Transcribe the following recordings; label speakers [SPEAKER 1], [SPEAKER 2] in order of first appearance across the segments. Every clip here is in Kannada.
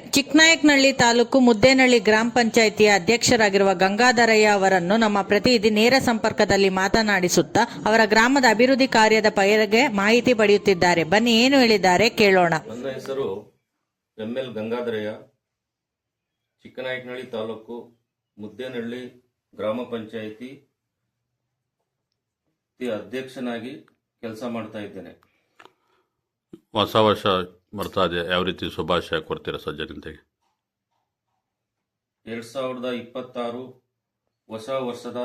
[SPEAKER 1] ಚಿಕ್ಕನಾಯಕನಹಳ್ಳಿ ತಾಲೂಕು ಮುದ್ದೇನಹಳ್ಳಿ ಗ್ರಾಮ ಪಂಚಾಯಿತಿಯ ಅಧ್ಯಕ್ಷರಾಗಿರುವ ಗಂಗಾಧರಯ್ಯ ಅವರನ್ನು ನಮ್ಮ ಪ್ರತಿನಿಧಿ ನೇರ ಸಂಪರ್ಕದಲ್ಲಿ ಮಾತನಾಡಿಸುತ್ತಾ ಅವರ ಗ್ರಾಮದ ಅಭಿವೃದ್ಧಿ ಕಾರ್ಯದ ಬಗ್ಗೆ ಮಾಹಿತಿ ಪಡೆಯುತ್ತಿದ್ದಾರೆ. ಬನ್ನಿ ಏನು ಹೇಳಿದ್ದಾರೆ ಕೇಳೋಣ.
[SPEAKER 2] ನನ್ನ ಹೆಸರು ಎಲ್ ಗಂಗಾಧರಯ್ಯ, ಚಿಕ್ಕನಾಯಕನಹಳ್ಳಿ ತಾಲೂಕು ಮುದ್ದೇನಹಳ್ಳಿ ಗ್ರಾಮ ಪಂಚಾಯಿತಿ ಅಧ್ಯಕ್ಷನಾಗಿ ಕೆಲಸ ಮಾಡ್ತಾ ಇದ್ದೇನೆ.
[SPEAKER 3] ಹೊಸ ವರ್ಷ ಬರ್ತಾ ಇದೆ, ಯಾವ ರೀತಿ ಶುಭಾಶಯ ಕೊಡ್ತೀರಾ ಸರ್ ಜನತೆಗೆ?
[SPEAKER 2] 2026 ಹೊಸ ವರ್ಷದ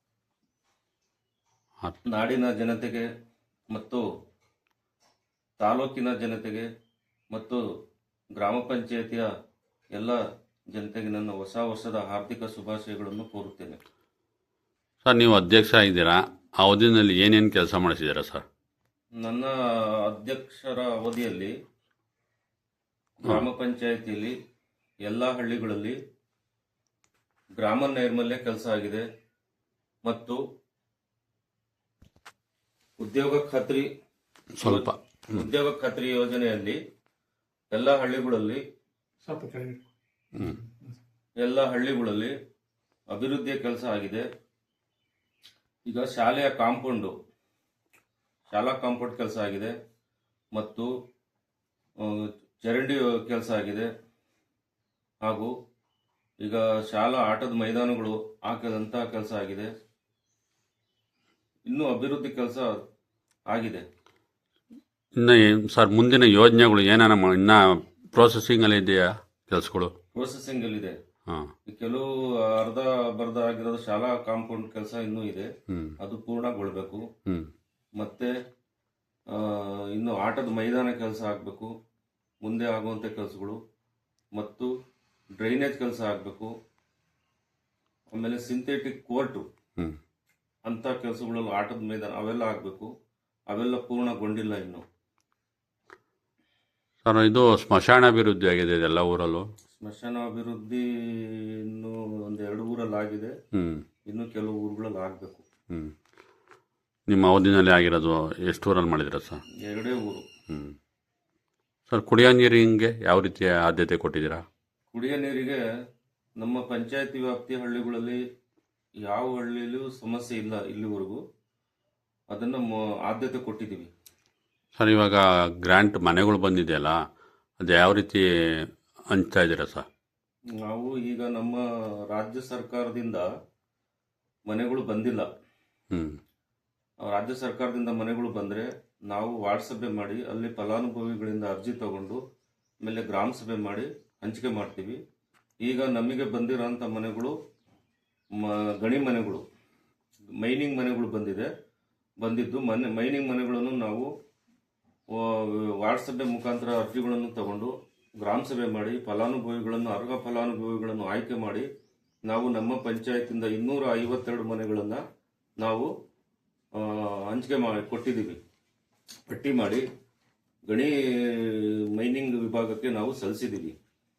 [SPEAKER 2] ನಾಡಿನ ಜನತೆಗೆ ಮತ್ತು ತಾಲೂಕಿನ ಜನತೆಗೆ ಮತ್ತು ಗ್ರಾಮ ಪಂಚಾಯಿತಿಯ ಎಲ್ಲ ಜನತೆಗೆ ನನ್ನ ಹೊಸ ವರ್ಷದ ಹಾರ್ದಿಕ ಶುಭಾಶಯಗಳನ್ನು ಕೋರುತ್ತೇನೆ.
[SPEAKER 3] ಸರ್, ನೀವು ಅಧ್ಯಕ್ಷ ಆಗಿದ್ದೀರಾ, ಆ ಅವಧಿನಲ್ಲಿ ಏನೇನು ಕೆಲಸ ಮಾಡಿಸಿದ್ದೀರಾ ಸರ್?
[SPEAKER 2] ನನ್ನ ಅಧ್ಯಕ್ಷರ ಅವಧಿಯಲ್ಲಿ ಗ್ರಾಮ ಪಂಚಾಯಿತಿಯಲ್ಲಿ ಎಲ್ಲ ಹಳ್ಳಿಗಳಲ್ಲಿ ಗ್ರಾಮ ನೈರ್ಮಲ್ಯ ಕೆಲಸ ಆಗಿದೆ ಮತ್ತು ಉದ್ಯೋಗ ಖಾತ್ರಿ ಯೋಜನೆಯಲ್ಲಿ ಎಲ್ಲ ಹಳ್ಳಿಗಳಲ್ಲಿ ಅಭಿವೃದ್ಧಿಯ ಕೆಲಸ ಆಗಿದೆ. ಈಗ ಶಾಲಾ ಕಾಂಪೌಂಡ್ ಕೆಲಸ ಆಗಿದೆ ಮತ್ತು ಚರಂಡಿ ಕೆಲಸ ಆಗಿದೆ. ಹಾಗೂ ಈಗ ಶಾಲಾ ಆಟದ ಮೈದಾನಗಳು ಹಾಕದಂತ ಕೆಲಸ ಆಗಿದೆ. ಇನ್ನೂ ಅಭಿವೃದ್ಧಿ ಕೆಲಸ ಆಗಿದೆ.
[SPEAKER 3] ಇನ್ನು ಸರ್, ಮುಂದಿನ ಯೋಜನೆಗಳು ಏನಾನ ಇನ್ನ ಪ್ರೋಸೆಸಿಂಗ್ ಅಲ್ಲಿ ಇದೆಯಾ? ಕೆಲಸಗಳು
[SPEAKER 2] ಪ್ರೋಸೆಸಿಂಗ್ ಅಲ್ಲಿ ಇದೆ. ಕೆಲವು ಅರ್ಧ ಬರ್ಧ ಆಗಿರೋದು ಶಾಲಾ ಕಾಂಪೌಂಡ್ ಕೆಲಸ ಇನ್ನೂ ಇದೆ, ಅದು ಪೂರ್ಣಗೊಳ್ಬೇಕು. ಮತ್ತೆ ಇನ್ನು ಆಟದ ಮೈದಾನ ಕೆಲಸ ಆಗಬೇಕು, ಮುಂದೆ ಆಗುವಂಥ ಕೆಲಸಗಳು, ಮತ್ತು ಡ್ರೈನೇಜ್ ಕೆಲಸ ಆಗಬೇಕು. ಆಮೇಲೆ ಸಿಂಥೆಟಿಕ್ ಕೋರ್ಟು ಅಂತ ಕೆಲಸಗಳು, ಆಟದ ಮೈದಾನ ಅವೆಲ್ಲ ಆಗಬೇಕು. ಅವೆಲ್ಲ ಪೂರ್ಣಗೊಂಡಿಲ್ಲ ಇನ್ನು.
[SPEAKER 3] ಸರ್, ಇದು ಸ್ಮಶಾನ ಅಭಿವೃದ್ಧಿ ಆಗಿದೆ ಎಲ್ಲ ಊರಲ್ಲೂ?
[SPEAKER 2] ಸ್ಮಶಾನ ಅಭಿವೃದ್ಧಿ ಇನ್ನು 1-2 ಊರಲ್ಲಿ ಆಗಿದೆ, ಇನ್ನು ಕೆಲವು ಊರುಗಳಲ್ಲಿ ಆಗಬೇಕು.
[SPEAKER 3] ನಿಮ್ಮ ಅವಧಿನಲ್ಲಿ ಆಗಿರೋದು ಎಷ್ಟು ಊರಲ್ಲಿ ಮಾಡಿದಿರ ಸರ್?
[SPEAKER 2] 2 ಊರು.
[SPEAKER 3] ಸರ್, ಕುಡಿಯೋ ನೀರಿಗೆ ಯಾವ ರೀತಿಯ ಆದ್ಯತೆ ಕೊಟ್ಟಿದ್ದೀರಾ?
[SPEAKER 2] ಕುಡಿಯೋ ನೀರಿಗೆ ನಮ್ಮ ಪಂಚಾಯತಿ ವ್ಯಾಪ್ತಿಯ ಹಳ್ಳಿಗಳಲ್ಲಿ ಯಾವ ಹಳ್ಳಿಯಲ್ಲೂ ಸಮಸ್ಯೆ ಇಲ್ಲ ಇಲ್ಲಿವರೆಗೂ, ಅದನ್ನು ಆದ್ಯತೆ ಕೊಟ್ಟಿದ್ದೀವಿ.
[SPEAKER 3] ಸರ್, ಇವಾಗ ಗ್ರ್ಯಾಂಟ್ ಮನೆಗಳು ಬಂದಿದೆಯಲ್ಲ, ಅದು ಯಾವ ರೀತಿ ಹಂಚ್ತಾ ಇದ್ದೀರಾ ಸರ್?
[SPEAKER 2] ನಾವು ಈಗ ನಮ್ಮ ರಾಜ್ಯ ಸರ್ಕಾರದಿಂದ ಮನೆಗಳು ಬಂದಿಲ್ಲ. ರಾಜ್ಯ ಸರ್ಕಾರದಿಂದ ಮನೆಗಳು ಬಂದರೆ ನಾವು ವಾರ್ಡ್ ಸಭೆ ಮಾಡಿ ಅಲ್ಲಿ ಫಲಾನುಭವಿಗಳಿಂದ ಅರ್ಜಿ ತಗೊಂಡು ಆಮೇಲೆ ಗ್ರಾಮ ಸಭೆ ಮಾಡಿ ಹಂಚಿಕೆ ಮಾಡ್ತೀವಿ. ಈಗ ನಮಗೆ ಬಂದಿರೋಂಥ ಮನೆಗಳು ಗಣಿ ಮನೆಗಳು, ಮೈನಿಂಗ್ ಮನೆಗಳು ಬಂದಿದ್ದು ಮೈನಿಂಗ್ ಮನೆಗಳನ್ನು ನಾವು ವಾರ್ಡ್ ಸಭೆ ಮುಖಾಂತರ ಅರ್ಜಿಗಳನ್ನು ತಗೊಂಡು ಗ್ರಾಮ ಸಭೆ ಮಾಡಿ ಅರ್ಹ ಫಲಾನುಭವಿಗಳನ್ನು ಆಯ್ಕೆ ಮಾಡಿ ನಾವು ನಮ್ಮ ಪಂಚಾಯತಿಂದ 252 ಮನೆಗಳನ್ನು ನಾವು ಹಂಚಿಕೆ ಕೊಟ್ಟಿದ್ದೀವಿ. ಪಟ್ಟಿ ಮಾಡಿ ಗಣಿ ಮೈನಿಂಗ್ ವಿಭಾಗಕ್ಕೆ ನಾವು ಸಲ್ಲಿಸಿದ್ದೀವಿ.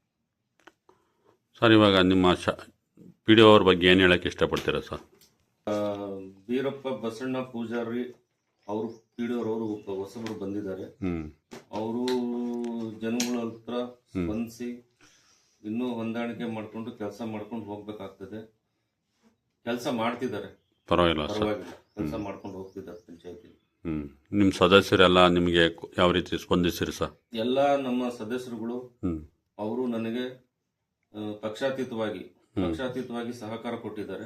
[SPEAKER 3] ಸರ್, ಇವಾಗ ನಿಮ್ಮ ಪಿ ಡಿ ಒ ಅವ್ರ ಬಗ್ಗೆ ಏನು ಹೇಳಕ್ಕೆ ಇಷ್ಟಪಡ್ತೀರಾ ಸರ್?
[SPEAKER 2] ಬೀರಪ್ಪ ಬಸಣ್ಣ ಪೂಜಾರಿ ಅವರು ಪಿ ಡಿ ಅವರು ಹೊಸಬರು ಬಂದಿದ್ದಾರೆ. ಅವರು ಜನಗಳ ಹತ್ರ ಸ್ಪಂದಿಸಿ ಇನ್ನೂ ಹೊಂದಾಣಿಕೆ ಮಾಡಿಕೊಂಡು ಕೆಲಸ ಮಾಡ್ಕೊಂಡು ಹೋಗ್ಬೇಕಾಗ್ತದೆ. ಕೆಲಸ ಮಾಡ್ತಿದ್ದಾರೆ, ಪರವಾಗಿಲ್ಲ ಕೆಲಸ ಮಾಡ್ಕೊಂಡು ಹೋಗ್ತಿದ್ದಾರೆ ಪಂಚಾಯತಿ.
[SPEAKER 3] ನಿಮ್ಮ ಸದಸ್ಯರೆಲ್ಲ ನಿಮಗೆ ಯಾವ ರೀತಿ ಸ್ಪಂದಿಸಿರಿ ಸರ್?
[SPEAKER 2] ಎಲ್ಲ ನಮ್ಮ ಸದಸ್ಯರುಗಳು ಅವರು ನನಗೆ ಪಕ್ಷಾತೀತವಾಗಿ ಸಹಕಾರ ಕೊಟ್ಟಿದ್ದಾರೆ.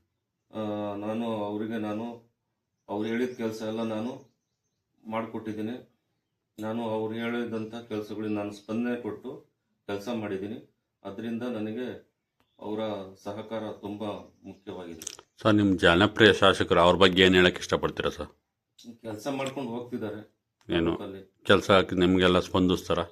[SPEAKER 2] ಅವ್ರು ಹೇಳಿದ ಕೆಲಸ ಎಲ್ಲ ನಾನು ಮಾಡಿಕೊಟ್ಟಿದ್ದೀನಿ. ನಾನು ಅವ್ರು ಹೇಳಿದಂಥ ಕೆಲಸಗಳಿಗೆ ನಾನು ಸ್ಪಂದನೆ ಕೊಟ್ಟು ಕೆಲಸ ಮಾಡಿದ್ದೀನಿ. ಅದರಿಂದ ನನಗೆ ಅವರ ಸಹಕಾರ ತುಂಬ ಮುಖ್ಯವಾಗಿದೆ.
[SPEAKER 3] ಸರ್, ನಿಮ್ಮ ಜನಪ್ರಿಯ ಶಾಸಕರು ಅವ್ರ ಬಗ್ಗೆ ಏನು ಹೇಳಕ್ಕೆ ಇಷ್ಟಪಡ್ತೀರಾ ಸರ್?
[SPEAKER 2] ಕೆಲಸ ಮಾಡ್ಕೊಂಡು ಹೋಗ್ತಿದ್ದಾರೆ.
[SPEAKER 3] ಏನು ಕೆಲಸ ನಿಮಗೆಲ್ಲ ಸ್ಪಂದಿಸ್ತಾರೆ,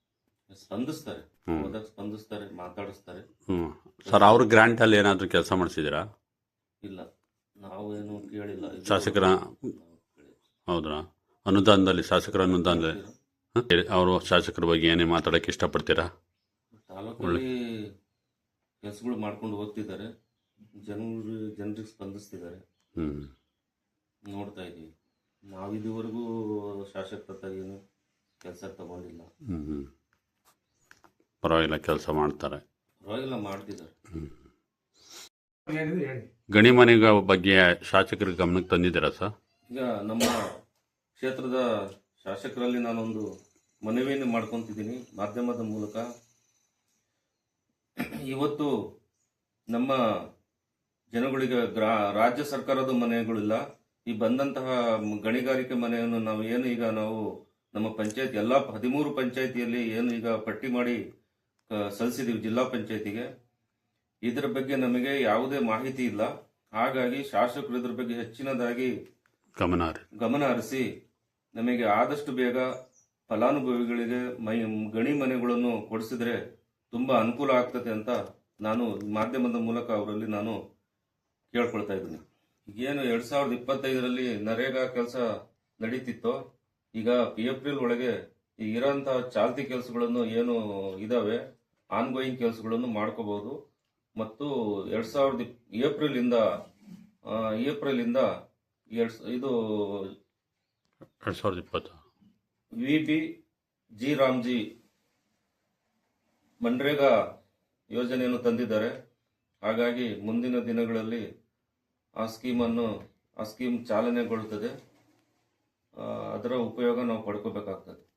[SPEAKER 2] ಮಾತಾಡಿಸ್ತಾರೆ.
[SPEAKER 3] ಸರ್, ಅವ್ರ ಗ್ರಾಂಟಲ್ಲಿ ಏನಾದರೂ ಕೆಲಸ ಮಾಡಿಸಿದ್ದೀರಾ?
[SPEAKER 2] ಇಲ್ಲ, ನಾವೇನು ಕೇಳಿಲ್ಲ
[SPEAKER 3] ಶಾಸಕರ. ಹೌದಾ? ಅನುದಾನದಲ್ಲಿ, ಶಾಸಕರ ಅನುದಾನದಲ್ಲಿ ಅವರು ಶಾಸಕರ ಬಗ್ಗೆ ಏನೇ ಮಾತಾಡೋಕ್ಕೆ ಇಷ್ಟಪಡ್ತೀರಾ?
[SPEAKER 2] ತಾಲೂಕಲ್ಲಿ ಕೆಲಸಗಳು ಮಾಡ್ಕೊಂಡು ಹೋಗ್ತಿದ್ದಾರೆ, ಜನರಿಗೆ ಸ್ಪಂದಿಸ್ತಿದ್ದಾರೆ, ನೋಡ್ತಾ ಇದ್ದೀವಿ. ನಾವು ಇದುವರೆಗೂ ಶಾಸಕರ ಏನು ಕೆಲಸ ತಗೊಂಡಿಲ್ಲ.
[SPEAKER 3] ಪರವಾಗಿಲ್ಲ ಕೆಲಸ ಮಾಡ್ತಾರೆ.
[SPEAKER 2] ಪರವಾಗಿಲ್ಲ ಮಾಡ್ತಿದ್ದಾರೆ.
[SPEAKER 3] ಗಣಿ ಮನೆಗಳ ಬಗ್ಗೆ ಶಾಸಕರ ಗಮನಕ್ಕೆ ತಂದಿದ್ದೀರಾ ಸರ್?
[SPEAKER 2] ಈಗ ನಮ್ಮ ಕ್ಷೇತ್ರದ ಶಾಸಕರಲ್ಲಿ ನಾನೊಂದು ಮನವಿಯನ್ನು ಮಾಡ್ಕೊತಿದ್ದೀನಿ ಮಾಧ್ಯಮದ ಮೂಲಕ. ಇವತ್ತು ನಮ್ಮ ಜನಗಳಿಗೆ ರಾಜ್ಯ ಸರ್ಕಾರದ ಮನೆಗಳಿಲ್ಲ. ಈ ಬಂದಂತಹ ಗಣಿಗಾರಿಕೆ ಮನೆಯನ್ನು ನಾವು ನಮ್ಮ ಪಂಚಾಯತ್ ಎಲ್ಲ 13 ಪಂಚಾಯತಿಯಲ್ಲಿ ಏನು ಈಗ ಪಟ್ಟಿ ಮಾಡಿ ಸಲ್ಲಿಸಿದೀವಿ ಜಿಲ್ಲಾ ಪಂಚಾಯತಿಗೆ. ಇದರ ಬಗ್ಗೆ ನಮಗೆ ಯಾವುದೇ ಮಾಹಿತಿ ಇಲ್ಲ. ಹಾಗಾಗಿ ಶಾಸಕರು ಇದ್ರ ಬಗ್ಗೆ ಹೆಚ್ಚಿನದಾಗಿ ಗಮನ ಹರಿಸಿ ನಮಗೆ ಆದಷ್ಟು ಬೇಗ ಫಲಾನುಭವಿಗಳಿಗೆ ಗಣಿ ಮನೆಗಳನ್ನು ಕೊಡಿಸಿದ್ರೆ ತುಂಬಾ ಅನುಕೂಲ ಆಗ್ತದೆ ಅಂತ ನಾನು ಮಾಧ್ಯಮದ ಮೂಲಕ ಅವರಲ್ಲಿ ನಾನು ಕೇಳ್ಕೊಳ್ತಾ ಇದ್ದೀನಿ. ಏನು 2025ರಲ್ಲಿ ನರೇಗಾ ಕೆಲಸ ನಡೀತಿತ್ತೋ, ಈಗ ಏಪ್ರಿಲ್ ಒಳಗೆ ಇರೋಂತಹ ಚಾಲ್ತಿ ಕೆಲಸಗಳನ್ನು ಏನು ಇದಾವೆ ಆನ್ಗೋಯಿಂಗ್ ಕೆಲಸಗಳನ್ನು ಮಾಡ್ಕೋಬಹುದು. ಮತ್ತು 2020 ಏಪ್ರಿಲ್ ಇಂದ ಇದು
[SPEAKER 3] 2020
[SPEAKER 2] VB ಜಿ ರಾಮ್ಜಿ ಮನ್ರೇಗಾ ಯೋಜನೆಯನ್ನು ತಂದಿದ್ದಾರೆ. ಹಾಗಾಗಿ ಮುಂದಿನ ದಿನಗಳಲ್ಲಿ ಆ ಸ್ಕೀಮ್ ಚಾಲನೆಗೊಳ್ಳುತ್ತದೆ. ಅದರ ಉಪಯೋಗ ನಾವು ಪಡ್ಕೋಬೇಕಾಗ್ತದೆ.